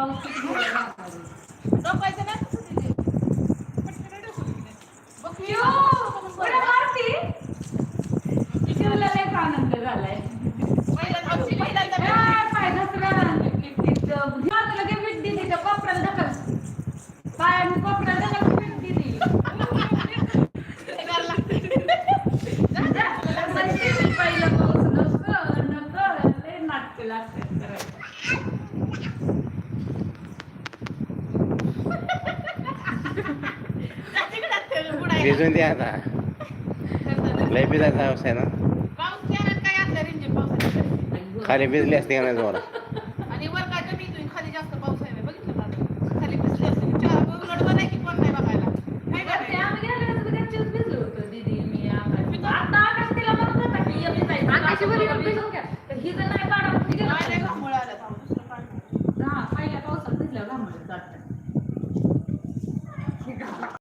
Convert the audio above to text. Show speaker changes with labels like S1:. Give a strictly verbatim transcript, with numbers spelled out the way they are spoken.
S1: पाऊस किती जोरात झाला.
S2: डोकायचं नाही तसं तिथे. पटकन डोकं तिथे. बघ की.
S1: शिव, उड्या मारती? शिवला लयच आनंद झालाय.
S2: पहिल्यांदा आमची पहिल्यांदा
S1: ए,
S2: भेट.
S1: पाय घसरण. तिथं घ्या लगे भेट दिली त्या कोपऱ्याला ढकल. पायाने कोपऱ्याला ढकल भेट दिली.
S2: ते करायला लागतं.
S1: जा, म्हणते पहिलं पाऊस नको, नको, लय नाटकं लागतात करायला.
S3: भिजून द्या आता. लय भिजायचा हाऊस आहे ना.
S2: पाऊस गेला काय असलं रिमझिम पावसाची.
S3: खाली भिजली असते का नाही जोरात.
S2: आणि वर काय कमी येतोय, खाली जास्त पाऊस आहे बघितलं का? खाली भिजली असते. चार उलट बरं आहे की कोण नाही बघायला. काय
S1: ते
S2: करायचं?
S1: आम्ही गेलो होतो गच्चीवर भिजलो होतो दीदी मी आकाश. आता आकाश तिला म्हणत होता की ये भिजायचं. आकाशी बरी भिजून घ्या. तर हिचं नाही काढा.
S2: काय नाही घामोळं आलं थांब, दुसरं काढ.
S1: हा, पहिल्या पावसात भिजल्यावर घामोळं जातात.